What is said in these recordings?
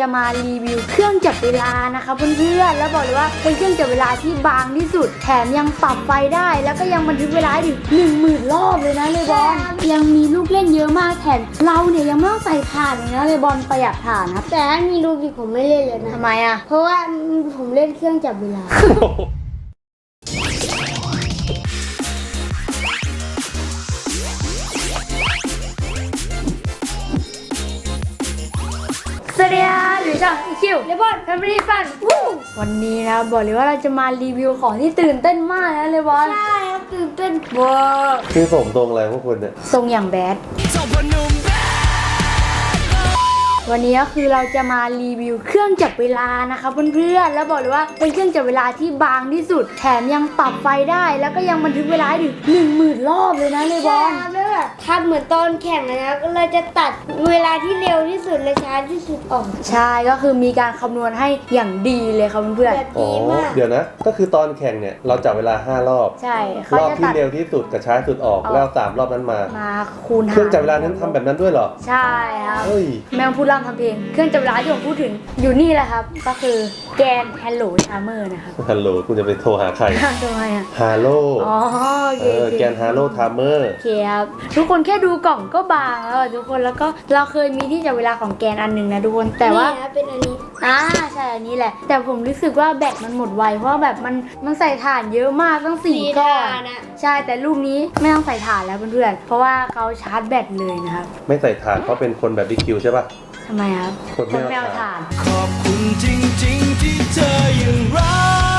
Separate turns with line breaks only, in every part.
จะมารีวิวเครื่องจับเวลานะคะเพื่อนๆแล้วบอกเลยว่าเป็นเครื่องจับเวลาที่บางที่สุดแถมยังปรับไฟได้แล้วก็ยังบันทึกเวลาถึง10,000 รอบเลยนะเลบอนยังมีลูกเล่นเยอะมากแถมเราเนี่ยยังไม่ต้องใส่ถ่านเลยนะเลบอนประหยัดถ่านครับ
แต่ถ้ามีรูบิกผมไม่เล่นเลยนะ
ทำไมอ่ะ
เพราะว่าผมเล่นเครื่องจับเวลา
สวัสดีค่ะหรือช่องคิวเลบอนแฟมิลี่ฟันวันนี้นะบอกเลยว่าเราจะมารีวิวของที่ตื่นเต้นมากนะเลบอน
ใช่ครับตื่นเต้น
ว้า
คือผมตรงอะไรพวกคุณเนี่ย
ทรงอย่างแบดวันนี้ก็คือเราจะมารีวิวเครื่องจับเวลานะคะเพื่อนๆแล้วบอกเลยว่าเป็นเครื่องจับเวลาที่บางที่สุดแถมยังปรับไฟได้แล้วก็ยังบันทึกเวลาถึง10,000 รอบเลยนะเลบ
ใช่
อน
ครับแล้วแบบทำเหมือนตอนแข่งเลยนะก็เลยจะตัดเวลาที่เร็วที่สุดและช้าที่สุดออก
ใช่ก็คือมีการคำนวณให้อย่างดีเลยครับเพื่อน
แบบ
อ๋อ
ดีมาก
เดี๋ยวนะ ก็คือตอนแข่งเนี่ยเราจับเวลา5 รอบ
ๆใช่เขา
รอบ
จะ
ที่
ตัด
เร็วที่สุดกับช้าที่สุดออกแล้ว3 รอบนั้นมา
คูณหาร
เครื่องจับเวลานั้นทำแบบนั้นด้วยเหรอ
ใช่ครับ
เฮ้ย
แมวพูดร่ำทำเพลงเครื่องจับเวลาที่ผมพูดถึงอยู่นี่แหละครับก็คือแกน Hello Timer นะครับ
ฮัลโหลคุณจะไปโทรหาใคร
ทำไมอ่ะ
ฮาโล
อ๋อโอเคโอเค
แกนฮาโลทามเมอร์
โอเคครับทุกคนแค่ดูกล่องก็บางแล้วอะทุกคนแล้วก็เราเคยมีที่จับเวลาของแกนอันหนึ่งนะทุกคนแต่ว่า
นี่นะเป็นอันนี้
ใช่อันนี้แหละ แต่ผมรู้สึกว่าแบตมันหมดไวเพราะว่าแบบมันใส่ถ่านเยอะมากตั้ง4 ก้อน
นะ
ใช่แต่ลูกนี้ไม่ต้องใส่ถ่านแล้วเพื่อนๆเพราะว่าเขาชาร์จแบตเลยนะครับ
ไม่ใส่ถ่านเพราะเป็นคนแบบบิ๊กคิวใช่ป่ะ
ทำไมครับ
คนไม่เอา
ไม่เอาถ่าน
ขอบคุณจริงๆที่เธอยังรั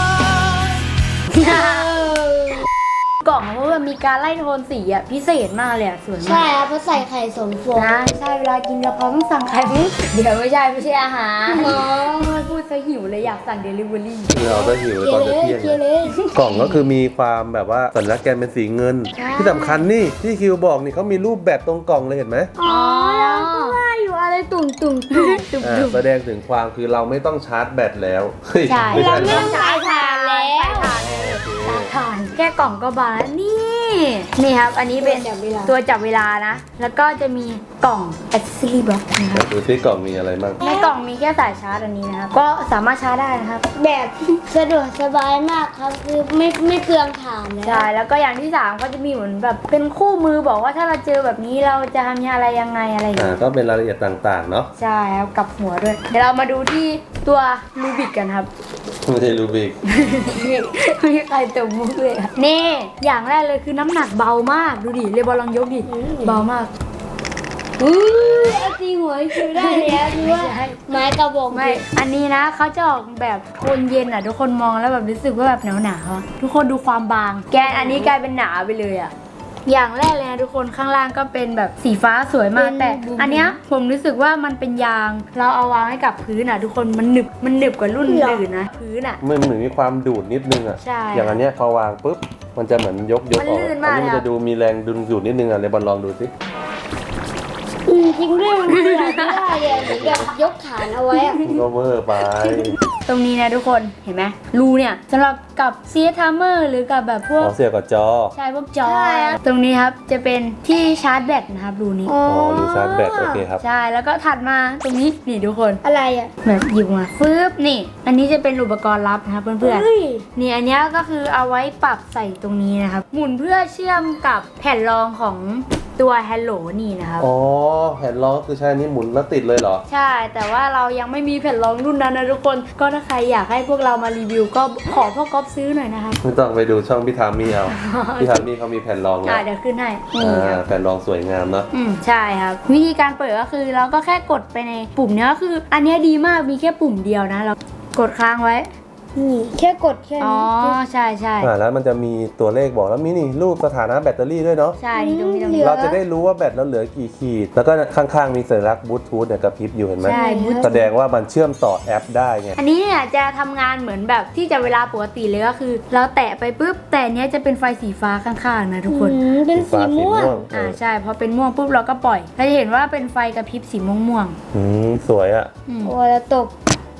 ก
กล่องเพราะว่ามีการไล่โทนสีอ่ะพิเศษมากเลยอ่ะสวย
ใช่
มาก
ครับเพราะใส่ไข่2 ฟอง
นะใช่เวลากินกะเพราต้องสั่งไข่มุกเดี๋ยวไม่ใช่อาหาร
อ๋อ
พูดซะหิวเลยอยากสั่งเดลิเวอรี่
เราจะหิว
เคลี
ต
ย
อน
ร์เล
จะ
ย
เที่ยง
เคลียร์เลย
กล่องก็คือมีความแบบว่าสัญลักษณ์แกนเป็นสีเงิน ที่สำคัญนี่ที่คิวบอกนี่เขามีรูปแบตตรงกล่องเลยเห็นไหม
อ๋อแล้วก็ว่าอยู่อะไรตุ่ม
แสดงถึงความคือเราไม่ต้องชาร์จแบตแล้วเฮ้ย
ใช่
ไม่
เรา
ใช่
ไม่
นะ
ต้องใส่ถ่านแล้ว
ถ่านแค่กล่องก็บานแล้วนี่ครับอันนี้เป็น
ตัวจับเวลา
ตัวจับเวลานะ แล้วก็จะมีกล่อง accessory box นะครับ
ดูที่กล่องมีอะไรบ้าง
ในกล่องมีแค่สายชาร์จอันนี้นะครับก็สามารถชาร์จได้นะครับ
แบบสะดวกสบายมากครับคือไม่เปลืองถ่านแล้ว
ใช่แล้วก็อย่างที่3ก็จะมีเหมือนแบบเป็นคู่มือบอกว่าถ้าเราเจอแบบนี้เราจะทำอะไรยังไงอะไรอย่างเงี้ย
ก็เป็นรายละเอียดต่างๆเนาะ
ใช่ครับกับหัวด้วย เดี๋ยวเรามาดูที่ตัวรูบิกกันครับ
ไม่ใช่รูบิก
ไม่มีใครเติมมุกเลยอะนี่อย่างแรกเลยคือน้ำหนักเบามากดูดิเรบอลลองยกดิเบามาก
เอาตีหัวคิวได้แล้วคือว่าไม้กระบอก
ไม่อันนี้นะเขาจะออกแบบโทนเย็นอ่ะทุกคนมองแล้วแบบรู้สึกว่าแบบหนาวๆอะทุกคนดูความบาง แกนอันนี้กลายเป็นหนาไปเลยอ่ะอย่างแรกเลยนะทุกคนข้างล่างก็เป็นแบบสีฟ้าสวยมากแต่อันเนี้ยผมรู้สึกว่ามันเป็นยางเราเอาวางให้กับพื้นอ่ะทุกคนมันหนึบกว่ารุ่นอื่นนะพื้นอ่ะ
มันเหมือนมีความดูดนิดนึงอ่ะ
ใช่
อย่างอันเนี้ยพอวางปุ๊บ มันจะเหมือนยก
มัน
ออก
ลื่น
อั
มาก
นี้มั
เลย
จะดูมีแรงดึงดูดนิดนึงอ่ะเลยบอลลองดูสิ
จริงด้วยมันเปลือกไม่ได้เลยเหมือนแบบยกฐานเอาไว้อะ
ก็เวอร์ไป
ตรงนี้นะทุกคนเห็นไหมรูเนี่ยสำหรับกับซีทามเมอร์หรือกับแบบพวก
เสียบกับจอ
ใช่พวกจอตรงนี้ครับจะเป็นที่ชาร์จแบตนะครับรูนี้
อ๋อรูชาร์จแบตโอเคครับ
ใช่แล้วก็ถัดมาตรงนี้นี่ทุกคน
อะไรอ่ะ
แบบหยิบมาฟึบนี่ อันนี้จะเป็นอุปกรณ์ลับนะครับเพื่อน
เฮ้ย
ๆนี่อันนี้ก็คือเอาไว้ปรับใส่ตรงนี้นะครับหมุนเพื่อเชื่อมกับแผ่นรองของตัว Hello นี่นะครับ
อ๋อแผ่นรองคือใช้อันนี้หมุนแล้วติดเลยเหรอ
ใช่แต่ว่าเรายังไม่มีแผ่นรองรุ่นนั้นนะทุกคนก็ถ้าใครอยากให้พวกเรามารีวิวก็ขอพ่อก๊อฟซื้อหน่อยนะครับ
ไม่ต้องไปดูช่องพี่ทามี่เอา พี่ทามี่เขามีแผ่นรองแล้ว
เดี๋ยวขึ้นให้นี่ครับ
แผ่นรองสวยงามเนาะ
ใช่ครับวิธีการเปิดก็คือเราก็แค่กดไปในปุ่มเนี้ยก็คือ อันเนี้ยดีมากมีแค่ปุ่มเดียวนะเรากดค้างไว้
นี่แค่กดแค่
อ๋อ
นี้
ใช่ใช่
แล้วมันจะมีตัวเลขบอกแล้วมีนี่รูปสถานะแบตเตอรี่ด้วยเนาะ
ใช่นี่ตรงนี้ตรงนี้
เราจะได้รู้ว่าแบตเราเหลือกี่ขีด แล้วก็ข้างๆมีสัญลักษณ์บลูทูธเนี่ยกระพริบอยู่เห็นไหม
ใช่บูท
แสดงว่ามันเชื่อมต่อแอปได้ไง
อันนี้เนี่ยจะทำงานเหมือนแบบที่จะเวลาปกติเลยก็คือ เราแตะไปปุ๊บแต่เนี้ยจะเป็นไฟสีฟ้าข้างๆนะทุกคน
เป็นสีม่วง
ใช่พอเป็นม่วงปุ๊บเราก็ปล่อยเราจะเห็นว่าเป็นไฟกระพริบสีม่วง
สวยอ่ะ
ๆ
โอ้แล้วตบ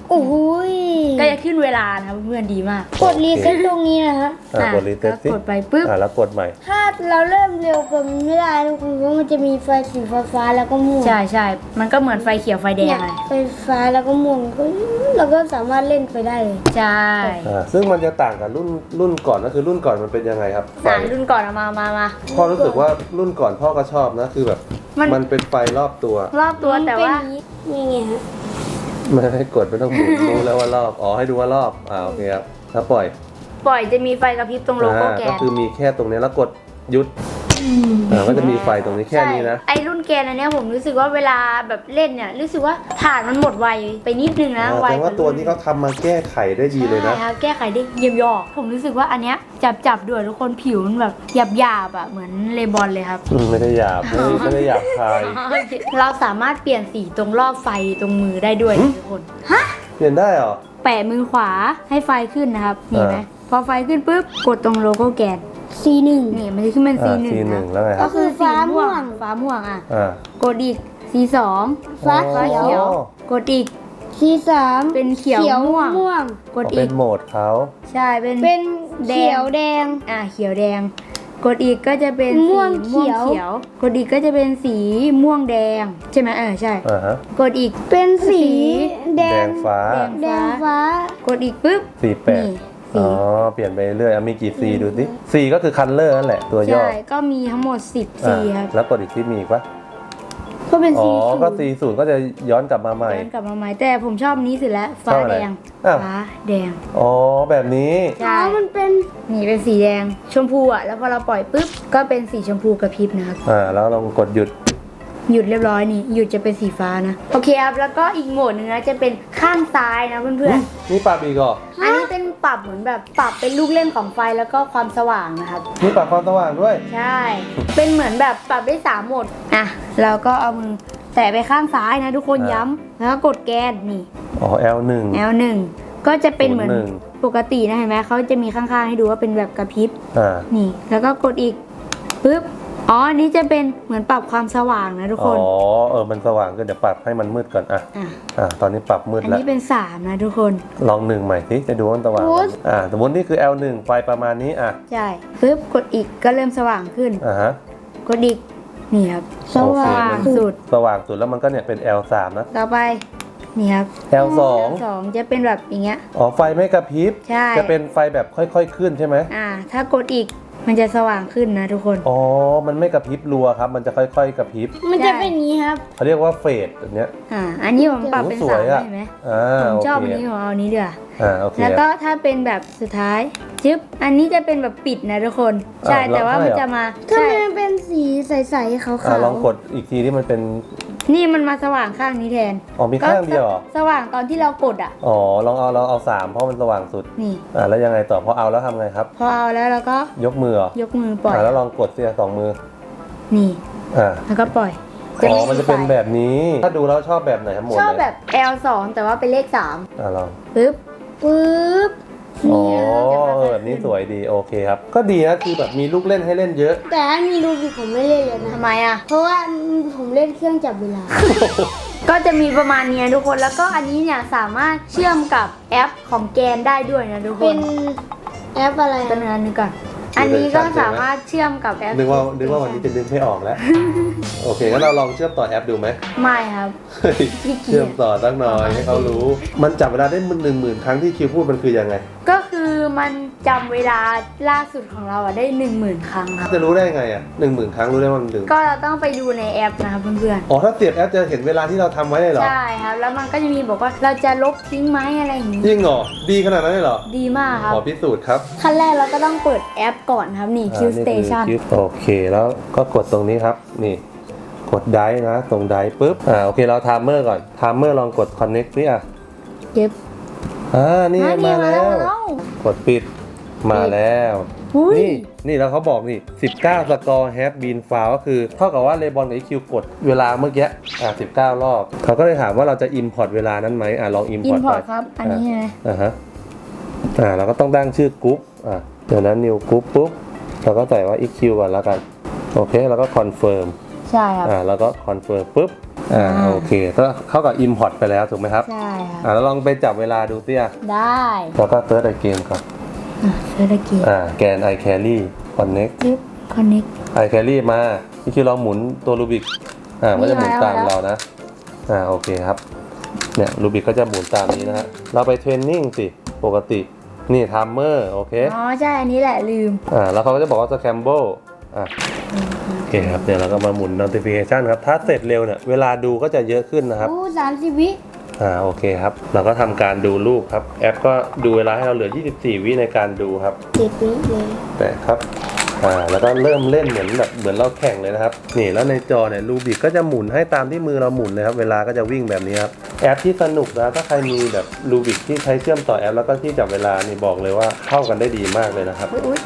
โอ้โหย
ก็จะขึ้นเวลานะครับเพื่อนๆดีมาก
กดรีเซ็ตตรงนี้นะฮะ
กดรีเซ็ตสิ
กดไปปุ๊บ
แล้วกดใหม่
ถ้าเราเริ่มเร็วเกินไม่ได้ทุกคนเพราะมันจะมีไฟสีฟ้าๆแล้วก็ม่วง
ใช่ใช่มันก็เหมือนไฟเขียวไฟแดง
เนี่ย
เลย
ไฟฟ้าแล้วก็ม่วงก็เราก็สามารถเล่นไปได้เลย
ใช่
ซึ่งมันจะต่างกับรุ่นก่อนก็คือรุ่นก่อนมันเป็นยังไงครับไฟ
รุ่นก่อนเอามา
พ่อรู้สึกว่ารุ่นก่อนพ่อก็ชอบนะคือแบบ มันเป็นไฟรอบตัว
รอบตัวแต่ว่า
นี่ไงฮะ
ไม่ให้กดไม่ต้องหมุนรู้แล้วว่ารอบอ๋อให้ดูว่ารอบโอเคครับแล้วปล่อย
ปล่อยจะมีไฟกระพริบตรงโลโก้แก
ก็
น
คือมีแค่ตรงนี้แล้วกดหยุดก็จะมีไฟตรงนี้แค่นี้นะ
ใช่ไอรุ่นแกนอันเนี้ยผมรู้สึกว่าเวลาแบบเล่นเนี่ยรู้สึกว่าฐานมันหมดไวไปนิดนึงนะไว
แต่ว่าตัวนี้เขาทำมาแก้ไขได้ดีเลยนะ
ใช่ครับแก้ไขได้เยี่ยมยอดผมรู้สึกว่าอันเนี้ยจับด้วยทุกคนผิวมันแบบหยาบๆอ่ะเหมือนเลบอนเลยครับ
ไม่ได้หยาบไม่ได้หยาบคาย
เราสามารถเปลี่ยนสีตรงรอบไฟตรงมือได้ด้วยนะทุกคน
เปลี่ยนได้เหรอ
แปะมือขวาให้ไฟขึ้นนะครับนี่ไหมพอไฟขึ้นปุ๊บกดตรงโลโก้แกน
C1
นี่มันจะขึ้นเป็น C1
C1
นะ
แล้วไงค
ก็
รับ
คือฟ้าม่วง
ฟ้าม่วงอ่ะ
อ่าก
ดอีก C2
ฟ้า
ฟ้า
เขี
เขี
ย
ยว ว กดอีก
C3
เป็นเขียวม่วง
ม่วง
กด
เป็
อี
น
ก
โหมดเขา
ใช่เป็น
เป็นเขียวแดง
เขียวแดง กดอีกก็จะเป็นสี
ม่วงเขียว
วกดอีกก็จะเป็นสีม่วงแดงใช่ไหมใช่
ฮะ
กดอีก
เป็นสีแด
แด
ง
งฟ้า
แดงฟ้า
กดอีกปุ๊บ
สีแปด
นี่
อ๋อเปลี่ยนไปเรื่อยมีกี่สีดูสิสีก็คือคันเลอร์นั่นแหละตัวย่อ
ใช่ก็มีทั้งหมด10สีครับ
แล้วกดอีกที่มีอีกปะ
ก็เป็น
อ๋
สี
อ
สู
ก็
ง
สีศูนย์ก็จะย้อนกลับมาใหม่
ย้อนกลับมาใหม่แต่ผมชอบนี้สุดแล้วฟ้า
ชอบอะไร
แดง
อ้าว
ฟ้าแดง
อ๋อแบบนี้
ใช่
มันเป็น
นี่เป็นสีแดงชมพูอ่ะแล้วพอเราปล่อยปุ๊บก็เป็นสีชมพูกระพริบนะครับ
แล้วลองกดหยุด
หยุดเรียบร้อยนี่หยุดจะเป็นสีฟ้านะโอเคครับแล้วก็อีกโหมดหนึงนะจะเป็นข้างซ้ายนะเพื่อน
นี่ปรับอีกเหรอ
ๆอันนี้เป็นปรับเหมือนแบบปรับเป็นลูกเล่นของไฟแล้วก็ความสว่างนะครับ
นี่ปรับความสว่างด้วย
ใช่ เป็นเหมือนแบบปรับได้3โหมดอ่ะเราก็เอามือแตะไปข้างซ้ายนะทุกคนย้ำแล้วก็กดแกนนี่
อ๋อ L1
L1 ก็จะเป็นเหมือน
01
ปกตินะเห็นไหมเขาจะมีข้างๆให้ดูว่าเป็นแบบกระพริบ
อ่า
นี่ แล้วก็กดอีกปึ๊บอ๋ออันนี้จะเป็นเหมือนปรับความสว่างนะทุก
อ๋
ค
อน มันสว่างก็เดี๋ยวปรับให้มันมืดก่อน
อ่ะ
ตอนนี้ปรับมืด
อัน
แล้ว
นี้เป็น3นะทุกคน
ลอง1ใหม่สิจะดูว่ามันสว่างไหมสมมตินี่คือ L1 ไฟประมาณนี้
ใช่ปึ๊บกดอีกก็เริ่มสว่างขึ้น
ฮะ
กดอีกนี่ครับ
สว่าง
สุด
สว่างสุดแล้วมันก็เนี่ยเป็น L3 นะ
ต่อไปนี่ครับ
L2
สองจะเป็นแบบอย่างเงี้ย
อ๋อไฟไม่กระพริบ
ใช่
จะเป็นไฟแบบค่อยๆขึ้นใช่ไหม
ถ้ากดอีกมันจะสว่างขึ้นนะทุกคน
อ๋อมันไม่กระพริบรัวครับมันจะค่อยๆกระพริบ
มันจะเป็นอย่างนี้ครับ
เขาเรียกว่าเฟดแบบเนี้ย
อันนี้ผมปรับเป็น
โอ้ส
สา
วย
ม
อะ
ได้ไหม ผม
โอ
ชอบ
เค
อันนี้ของเอาอันนี้เดือ
โอเค
แล้วก็ถ้าเป็นแบบสุดท้ายจึ๊บอันนี้จะเป็นแบบปิดนะทุกคน ใช่ แต่ว่ามันจะมา
ทำ
ใช่
ไมมันเป็นสีใสๆขาวๆ
ลองกดอีกทีที่มันเป็น
นี่มันมาสว่างข้างนี้แทน
อ๋อมีข้างเดียวเหรอ
สว่างตอนที่เรากดอ่ะ
อ๋อลองเอา3เพราะมันสว่างสุด
นี่
แล้วยังไงต่อพอเอาแล้วทำไงครับ
พอเอาแล้วเราก็
ยกมือเหรอย
กมือปล่อย
แล้วลองกดเสียสองมือ
นี่
อ่า
แล้วก็ปล่อย
มันจะเป็นแบบนี้ ถ้าดูแล้วชอบแบบไหนครับหมด
ชอบ
เลย
แบบ L2 แต่ว่าเป็นเลข
ลอง
3ปึ๊บ
ปึ๊บ
อ๋อแบบนี้สวยดีโอเคครับ ก็ดีนะคือแบบมีลูกเล่นให้เล่นเยอะ
แต่ถ้ามีรูบิกผมไม่เล่นเลยนะ
ทำไมอ่ะ
เพราะว่าผมเล่นเครื่องจับเวลา
ก็จะมีประมาณนี้นะทุกคน แล้วก็อันนี้เนี่ยสามารถเชื่อมกับแอปของแกนได้ด้วยนะทุกค
เป็น นแอปอะไร
ตัวนึงอันนึงก่อน อันนี้ก็สามารถเชื่อมกับแอป
นึกว่าวันนี้จะนึกไม่ออกแล้ว โอเคงั้นเราลองเชื่อมต่อแอปดูไหม
ไม่ครับ
เฮ้ย
ขี้เกียจ
เชื่อมต่อตั้งหน่อยให้เขารู้ มันจับเวลาได้10,000 ครั้งที่คิวพูดมันคือยังไง
ก็คือมันจำเวลาล่าสุดของเราอะได้ 10,000 ครั้งครับ
จะรู้ได้ไงอ่ะ10,000 ครั้งรู้ได้ว่ามันถึง
ก็เราต้องไปดูในแอปนะครับเพื่อน
อ๋อถ้าเสียบแอปจะเห็นเวลาที่เราทำไว้เลยเหร
ๆ
อ
ใช่ครับ แล้วมันก็จะมีบอกว่าเราจะลบทิ้งไหมอะไรอย่างนี้
จริงเหรอดีขนาดนั้นเลยเหรอ
ดีมากครับ
ขอพิสูจน์ครับ
ขั้นแรกเราก็ต้องเปิดแอปก่อนครับนี่ Q Station
โอเคแล้วก็กดตรงนี้ครับนี่กดไดร์นะตรงไดร์ปุ๊บโอเคเราไทม์เมอร์ก่อนไทม์เมอร์ลองกด connect นี่
เก็บ
นี่มาแล้ว กดปิดมาแล้ว
อุ้ย
นี่แล้วเขาบอกนี่19 สกอร์แฮปบีนฟาวก็คือเท่ากับว่าเลบอนกับ EQ กดเวลาเมื่อกี้19 รอบเขาก็เลยถามว่าเราจะ import เวลานั้นไหมลอง
อิน
import
พอ
ไป
ร์ตครับ อันนี้ใช่ไหม
เราก็ต้องตั้งชื่อกรุ๊ปเดี๋ยวนั้น new group ปุ๊บเราก็ใส่ว่า EQ ก่อนแล้วกันโอเคแล้วก็ confirm
ใช่ครับ
แล้วก็ confirm ปุ๊บโอเคก็เข้ากับ import ไปแล้วถูกไหมครับ
ใช่ครับ
แล้วลองไปจับเวลาดูเตี้ย
ได้
แล้วก็ search again ก่อน
เซอร์ตะกี้
แกน i carry connect
จิ๊บคอนเน็ก
i carry มานี่คือเราหมุนตัวรูบิกก็จะหมุนตามเรานะโอเคครับเนี่ยรูบิกก็จะหมุนตามนี้นะฮะเราไปเทรนนิ่งสิปกตินี่ไทม์เมอร์โอเค
อ๋อใช่อันนี้แหละลืม
แล้วเขาก็จะบอกว่า scramble โอเคครับเดี๋ยวเราก็มาหมุน notification ครับถ้าเสร็จเร็วเนี่ยเวลาดูก็จะเยอะขึ้นนะครับ
โอ้30 วิ
โอเคครับเราก็ทำการดูรูปครับแอปก็ดูเวลาให้เราเหลือ24 วิในการดูครับ
7 วิเลย
แต่ครับแล้วก็เริ่มเล่นเหมือนเราแข่งเลยนะครับนี่แล้วในจอเนี่ยรูบิกก็จะหมุนให้ตามที่มือเราหมุนเลยครับเวลาก็จะวิ่งแบบนี้ครับแอปที่สนุกนะถ้าใครมีแบบรูบิกที่ใช้เชื่อมต่อแอปแล้วก็ที่จับเวลานี่บอกเลยว่าเข้ากันได้ดีมากเลยนะครับ
อุ๊ย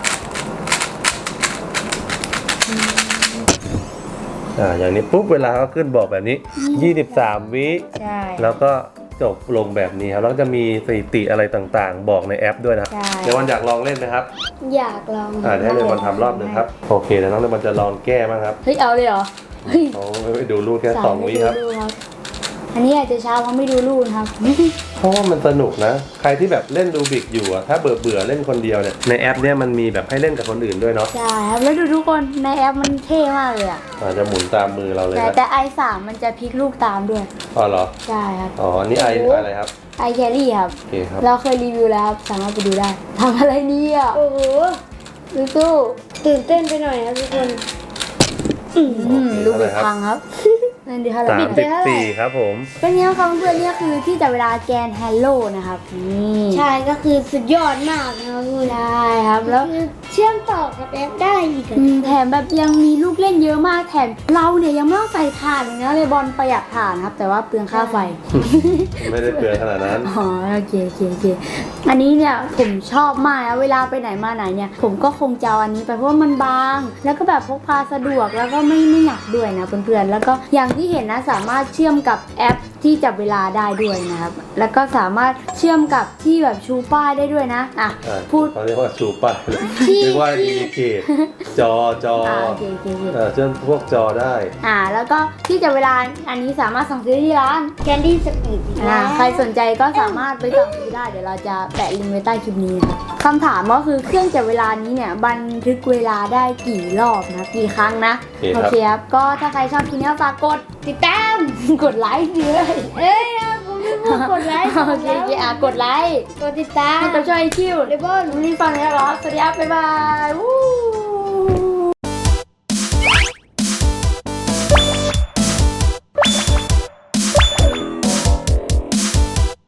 อย่างนี้ปุ๊บเวลาก็ขึ้นบอกแบบนี้ 23 วิ
ใช่
แล้วก็จบลงแบบนี้ครับแล้วก็จะมีสถิติอะไรต่างๆ บอกในแอปด้วยนะครับ
ใช่
เดี๋ยววันอยากลองเล่นไหมครับ
อยากลอง
เดี๋ยวให้เลมอนทำรอบหนึ่งครับโอเคเดี๋ยวน้องเลมอนจะลองแก้บ้างครับ
เฮ้ยเอาเลยเหรอเฮ้ย
เขาไม่ดูรูปแค่2 วิครับ
ดูครับอันนี้อาจจะช้าเพราะไม่ดูรูปนะครับ
เพราะว่ามันสนุกนะ ใครที่แบบเล่นรูบิกอยู่อะถ้าเบื่อเล่นคนเดียวเนี่ยในแอปเนี่ยมันมีแบบให้เล่นกับคนอื่นด้วยเนาะ
ใช่ครับแล้วดูทุกคนในแอปมันเท่มากเลยอ่ะ
จะหมุนตามมือเราเลย
แต่
นะ
แต่ i3 มันจะพลิกลูกตามด้วย
อ๋อเหรอ
ใช่ครับ
อ๋อนี่ไออะไรครับ
i carry ครับ
โอเคครับ
เราเคยรีวิวแล้วครับสามารถไปดูได้ทำอะไรเนี่ย
โอ้โห
สู้
ตื่นเต้นไปหน่อยครับทุกคน
ลูกบิดพังครับนั่นดีเท่าไหร่
34ครับผม
เป็นไงครับเพื่อนๆเนี่ยคือที่จับเวลาแกน Hello นะครับนี่
ใช่ก็คือสุดยอดมากนะครับคุณ
ใช่ครับแล้ว
คือเชื่อมต่อกับแอปได้อีกอะ
แถมแบบยังมีลูกเล่นเยอะมากแถมเราเนี่ยยังไม่ต้องใส่ถ่านเลยนะเลยบอลประหยัดถ่านครับ แต่ว่าเปลืองค่าไฟ
ไม่ได้เปลืองขนาดนั้น
อ๋อโอเคอันนี้เนี่ยผมชอบมากนะเวลาไปไหนมาไหนเนี่ยผมก็คงจะเอาอันนี้ไปเพราะว่ามันบาง แล้วก็แบบพกพาสะดวกแล้วก็ไม่หนักด้วยนะเพื่อนๆแล้วก็อย่างที่เห็นนะสามารถเชื่อมกับแอปที่จับเวลาได้ด้วยนะครับแล้วก็สามารถเชื่อมกับที่แบบชูป้ายได้ด้วยนะพูด
เขาเรียกว่าชูป้ายเลยเรียกว่าอินดิเคตจอ
โอเค
เชื่อมพวกจอได้
แล้วก็ที่จับเวลาอันนี้สามารถสั่งซื้อที่ร้าน
แคนดี้สปีด
ใครสนใจก็สามารถไปสั่งซื้อได้เดี๋ยวเราจะแปะลิงก์ไว้ใต้คลิปนี้นะครับคำถามก็คือเครื่องจับเวลานี้เนี่ยบันทึกเวลาได้กี่รอบนะกี่ครั้งนะ
โอเคครับ
ครับก็ถ้าใครชอบคลิปนี้ก็ฝากกด
ติดตาม
กดไลค์ด้วย
เอ้ยผมไม่พูดกดไลค์
โอเคกดไลค์
กดติดตาม
ให้กับช่วยคิว
เลบอน
วันนี้ฟังแล้วเหรอสวัสดีครับบ๊ายบายวู้